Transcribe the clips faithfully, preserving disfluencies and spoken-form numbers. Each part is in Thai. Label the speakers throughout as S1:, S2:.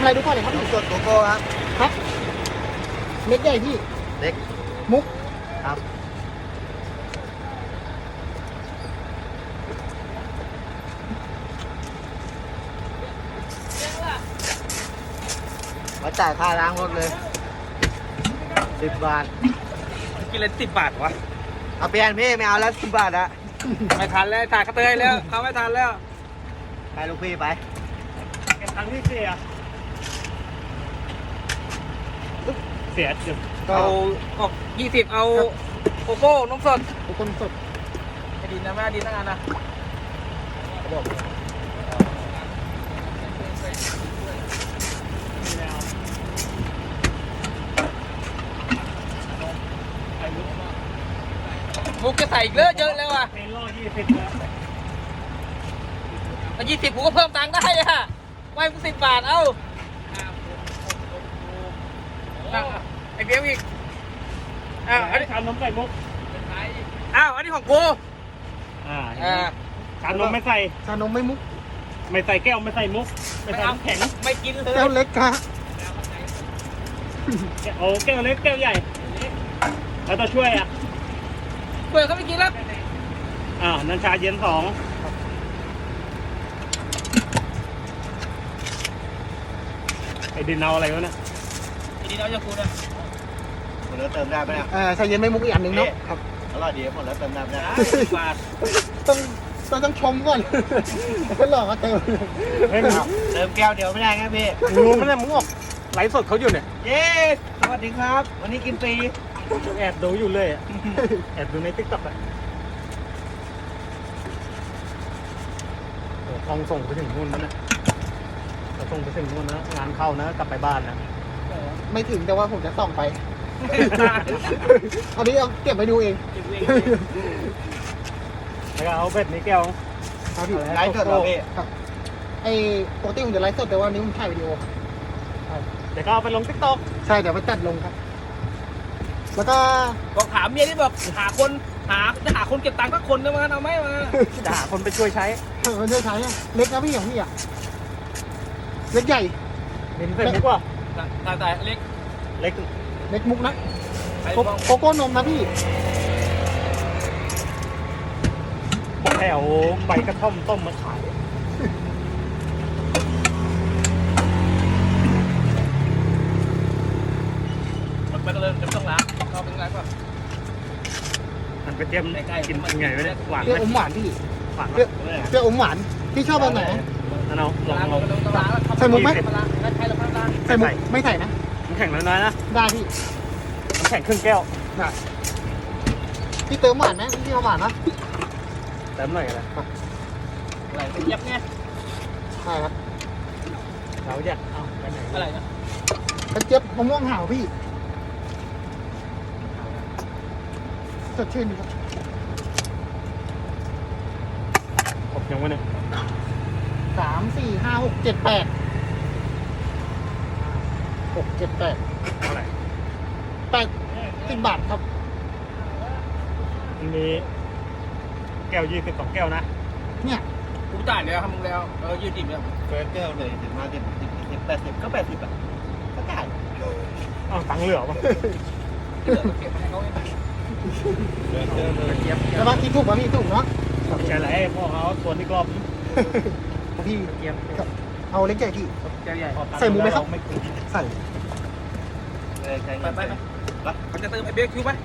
S1: อะไรดูก่อนเลยครับพี่
S2: สดโกโก้ครับ
S1: ครับเล็กใหญ่พี่
S2: เล็ก
S1: มุก
S2: ครับมาจ่ายค่าล้างรถเลยสิบบาท
S3: กินเลยสิบบาทวะ
S2: เอาเปลี่ยนพี่ไม่เอาแล้วสิบบาทอะ
S3: ไม่ทันแล้วถ่ายกระเตยแล้วเขาไม่ทันแล้ว
S2: ไปลูกพี่ไป
S3: เก็บตังค์ที่เสียเสียจุด
S1: ก็
S3: เอาออกยี่สิบเอาโกโก้นมสด
S1: ทุกคนสด
S3: ไอ้ดินนะแม่ดินทั้งอันนะมุกจะใส่อีกเยอะเยอะแล้วอ่ะ
S4: เป็นรอยี่สิบแล้ว
S3: มายี่สิบกูก็เพิ่มตังค์ได้อ่ะไม่กูสิบบาทเอ้าอ่ะไอ้เบี้ยอีกอ้าวอันนี้
S4: ชานมไก่มุก
S3: อ้าวอันนี้ของกู
S4: อ่า
S3: อ่า
S4: ชานมไม่ใส่
S1: ชานมไม่มุก
S4: ไม่ใส่แก้วไม่ใส่มุก ไม่ใส่น้ำแข็ง
S3: ไม่กินเลย
S1: แก้วเล็กค่ะ
S4: โอ้แก้วเล็กแก้วใหญ่ แล้วตัวช่วยอ่ะ
S3: เปิดเขาไม่กินแล้ว
S4: อ่านันชาเย็นสองไอ้ดินเอาอะไรวะเนี่ย
S3: ไอ้ดินเอาจากกูนะ
S2: หมดแล้วเติมได้ไหมเนี่ย
S1: เออชาเย็นไม่มุกอีกอันหนึ่งเนาะครับ
S2: อร่อยดีหมดแล้วเติมได้ไหมเนี่ย
S3: สิบบาท
S1: ต้องต้องต้องชมก่อนแล้วหลอกมาเติม
S4: เฮ้ย
S2: อ้าวเติมแก้วเดียวไม่ได้ไงพี่
S4: มึงรู้ไหมเนี่ยมึงออกไลฟ์สดเขาอยู่เนี่ย
S2: เย้สวัสดีครับ วันนี้กินฟรี
S4: แอบดูอยู่เลยอะแอบดูในติ๊กต็อกอ่ะโอ้ทองส่งไปถึงนู่นแล้วเนี่ยจะส่งไปถึงนู่นนะงานเข้านะกลับไปบ้านนะ
S1: ไม่ถึงแต่ว่าผมจะส่องไปอันนี้เอาเก็บไปดูเอง
S4: แล้วก็เอาเบ็ดนี้แก้ว
S1: ครับพี่
S2: ไลฟ์สดเหรอพี่
S1: ครับไอ้ปกติผมจะไลฟ์สดแต่ว่านี้ผมถ่ายวิดีโอครับ
S4: เดี๋ยวก็เอาไปลงติ๊กต็อก
S1: ใช่เดี๋ยวไปตัดลงครับ แล้วก็
S3: บอกถามเมียที่บอกหาคนหาจะหาคนเก็บตังค์สักคนนึงมาเอาไหมมา
S4: จะหาคนไปช่วยใช้
S1: มันจะใช้อะเล็กนะพี่ของพี่อ่ะเล็กใหญ่
S4: เห็นเสร็จมุกว่า
S3: ตายตายเล็ก
S4: เล็ก
S1: เล็กมุกนะ
S3: ไอ้
S1: โก
S3: บ้อง
S1: โกโก้นมนะพี่
S4: แถวใบกระท่อมต้มมาขาย
S3: มันไปเลยจะต้องล้างเขาเป็นไรก่อน
S4: มันไปเตรียมกินยังไงวะเนี่ยหวาน
S1: เปรี้ยว
S4: ไหม
S1: อมหวานพี่
S4: หวาน
S1: เปรี้ยวเปรี้ยวอมหวานพี่ชอบแบบไหน
S4: นั่นเอาลอง
S3: ล้าง
S4: ลอง
S3: ต้องล้างแล้ว
S1: ใส่มุกไหม
S3: ล้างแล้วใช้แล้วล้าง
S1: ใส่มุกไม่ใส่นะ
S4: น้ำแข็งน้อยๆนะ
S1: ได้พี่
S4: น้ำแข็งครึ่งแก้ว
S1: ได้พี่เติมหวานไหมพี่เอาหวานนะ
S4: เติมหน่อยอะไร
S3: อะไรยับไง
S1: ใช่ครับ
S4: เราอยากเอาไปไหน
S3: อะไรนะ
S1: กระเจี๊ยบมะม่วงห่าวพี่สดชื่นดีครับ
S4: ครบยังวะเนี่ย
S1: สามสี่ห้าหกเจ็ดแปดหกเจ็ดแปด
S4: เท่าไหร่
S1: แปดสิบบาทครับ
S4: มันมีแก้วยี่สิบสองแก้วนะ
S1: เนี่ย
S3: กูจ่ายแล้วทำมึงแล้วเออยืดติ่มแล้ว
S2: เฟิร์สแก้วเลยถึงมาสิบสิบสิบแปดสิบก็แปดสิบอ่ะก็จ่าย
S4: อ้าวตังค์เหลือปะ
S3: เดี๋ยวเก็บให้เขาเอง
S2: เฟิร์สแก้วเลย
S3: เก็บ
S1: แล้วบางทีถูกบางทีถูกเนาะ
S4: ใช่ไหมพ่อเขาทวนที่กรอบ
S1: พี่
S3: เก็บ
S1: เอาเล็กใหญ่พี่
S3: แก้วใหญ่
S1: ใส่หมูไหมครับ
S4: ไม่คุ้ม
S1: ใส่
S2: เลยใช้
S3: ไป
S2: เงิน
S3: ไป
S2: ไป
S3: ไปเขาจะเติมไอ้เบคคิวไหม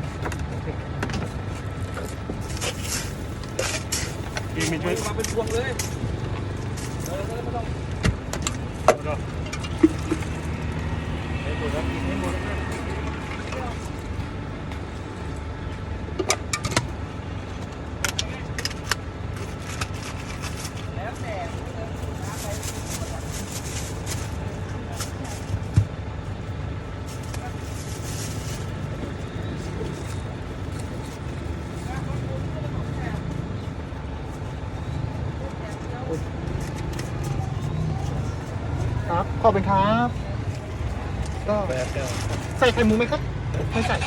S4: ดีมีช่วย
S3: มาเป็นพวงเลยเออไม่ต้อง
S4: ให้หมดแล้วกินให้หมดแล้ว
S3: แล้วแต่
S1: ครับขอบคุณครับ ก็
S2: เฟิร์สแก้ว
S1: ใส่ไข่หมูไหมครับ ไม่ใส่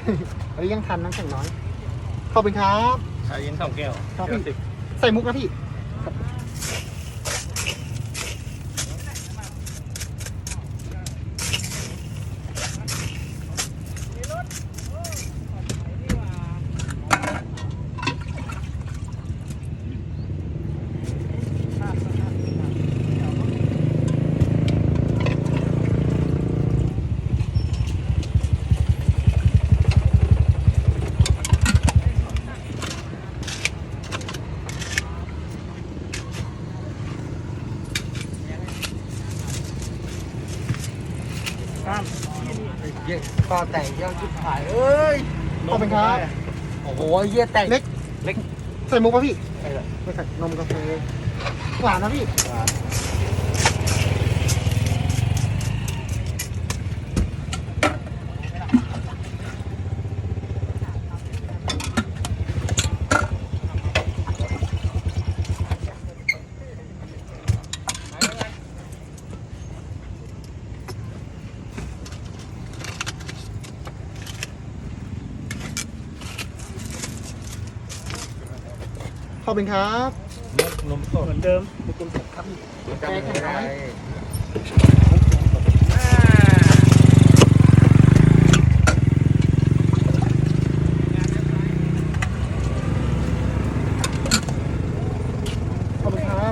S1: อันนี้ยังทันน้ำแข็งน้อยขอบคุณครับ
S3: ชาเย็นสองแก้ว
S1: ครับพี่ใส่มุกนะพี่
S2: เยี่ยก็แต่งเยี่ยชิบหายเอ้ย
S1: ขอบคุณครับ
S2: โอ้โหเยี่ยแต่ง
S1: เล็ก
S2: เล็ก
S1: ใส่มุกป่ะพี่
S2: ไปเลย
S1: ไม่ใส่นมกาแฟหวานนะพี่ขอบคุณครับ
S3: นมสด
S4: เหมือนเดิม
S1: มุกกลมสดครับพี่
S2: จำไม่ได้
S1: ขอบคุณครับ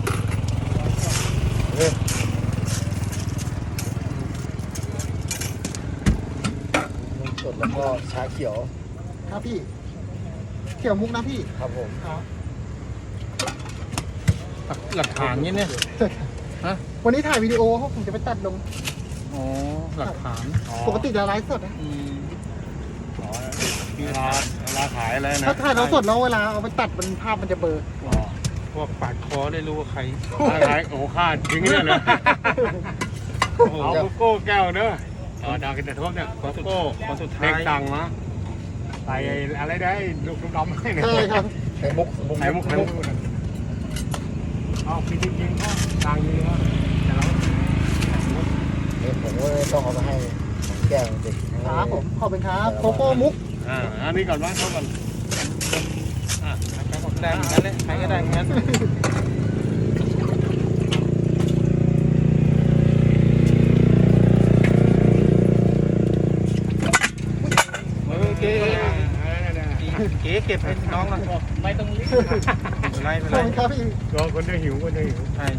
S2: นมสดแล้วก็ชาเขียว
S1: ครับพี่เขียวมุกนะพี่
S2: ครับผม
S1: ครับ
S4: หลักฐานนี้เนี่ย ฮะ
S1: วันนี้ถ่ายวิดีโอเพราะผมจะไปตัดลง
S4: อ๋อหลักฐาน
S1: ปกติจะไลฟ์สดนะ
S4: อืมอ๋อเวลาเวลาขายอะไรนะ
S1: ถ้าถ่ายเราสดแล้วเวลาเอาไปตัดมันภาพมันจะเบลอ
S4: อ๋อพวกปาดคอได้รู้ว่าใครขายโอ้ฆ่าจริงเนี่ยเลยโอ้โหโกโก้แก้วเนอะอ๋อดาวกินแต่ทบเนี่ยโกโก้
S3: คนสุดท้า
S4: เด็ก
S3: ย
S4: ตังนะใส่อะไรได้ลูกดำๆให้เนี่ย
S1: ใช่ครับ
S2: ไข่มุก
S4: ไข่มุกไข่มุกเอาพี่จริงๆก็ตังค์เยอะแต่เรา
S2: เดี๋ยวผมก็ต้องเอาไปให้ของแก้วเด็ก
S1: ครับผมขอบคุณครับโกโก้มุก
S4: อ่าอันนี้ก่อนว่าเขาก่อนอ่า
S3: ได้เหมือนกันเลยใครก็ได้เหมือนกัน
S4: โอเค
S3: เก๋เก็บให้น้องหน่อยไม่ต้องรีบไม่เป็นไรไม่
S1: ข
S3: เป็
S1: อน บ
S3: ไร
S1: คุณครับพี่
S4: รอคนจะหิวคนจะหิว
S3: ใช่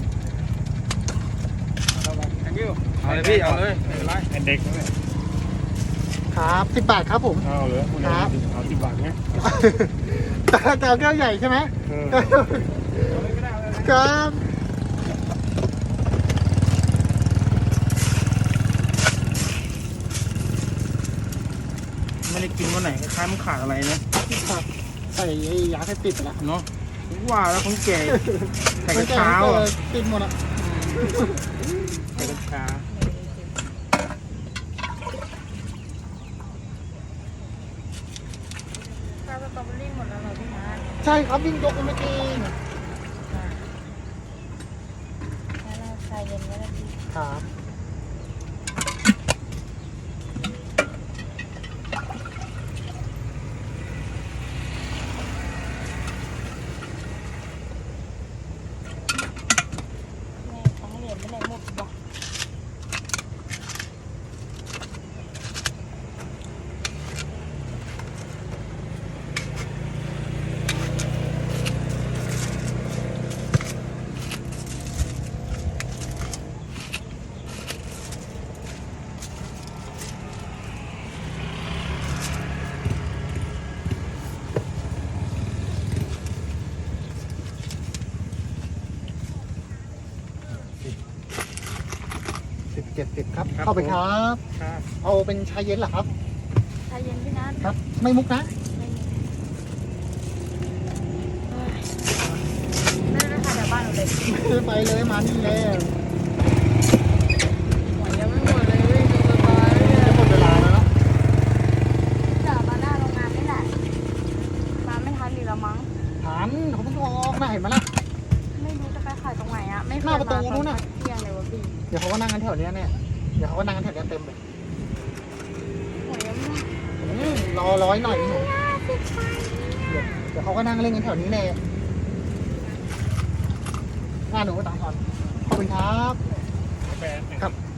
S3: เอาเลยพี่เอาเลยไม่เป็นไร
S4: เป็นเด็กนะเนี่ย
S1: ครับสิบบาทครับผม
S4: เอาเหรอ
S1: ครับ
S4: เอาสิบบาทเนี่ย
S1: แต่แต่เอาแก้วใหญ่ใช่ไหม
S4: เออ
S1: ครับ
S3: ไม่ได้กินวันไหนคล้ายๆมันขาดอะไรนะ
S1: ครับใส่ไอ้ยาเสพติดไปแล้ว
S3: เนาะว่าแล้วคนแก่ใส่กระ
S1: แก้
S3: เช้า
S1: ก็
S3: อ่ะ
S1: ติดหมดอ่ะ
S3: ใส่กระเช้า
S5: ชาสตรอเบอรี่หมดแล้วเหรอพี่นัท
S1: ใช่ครับวิ่งยกกันไม่กิน
S5: แล้วเราชาเย็นไว้แล้วพี่
S1: ครับ
S5: แม่ทั้งเหรียญไม่ไหนหมดบอก
S1: สิบเจ็ดสิบครับเข้าไปครับ
S4: ครับ
S1: เอาเป็นชาเย็นเหรอครับ
S5: ชาเย็นพี่นัท
S1: ครับ ไม่มุกนะ
S5: ไม่มีเอ้ยนั่นนะคะเดี๋ยวบ้านหนูเลย
S1: ไปเลยมานี่แล้ว
S5: หวยยังไม่หมดเลยวิ่งดูสบายเลย
S1: จะหมดเวลาแล้วเนาะ
S5: จะมาหน้าโรงงานไม่ได้มาไม่ทันดีแล้วมั้ง
S1: ฐานเขาเพิ่งออกน่าเห็นไหมล่ะ
S5: ไม่รู้จะไปขายตรงไหนอะไม่เคย
S1: หน้าประตู
S5: มา
S1: นู้นน่ะ
S5: เที่ยงเลยวะพี่
S1: เดี๋ยวเขาก็นั่งกันแถวเนี้ยเนี่ยเดี๋ยวเขาก็นั่งกันแถวเนี้ยเต็มเลย
S5: หวยยังไม่
S1: โอืมรอร้อยหน่อยหนูเดี๋ยวเดี๋ยวเขาก็นั่งเล่นกันแถวนี้แหละงานหนูก็ตังค์ทอนขอบคุณครับ
S4: แบน
S1: ครับ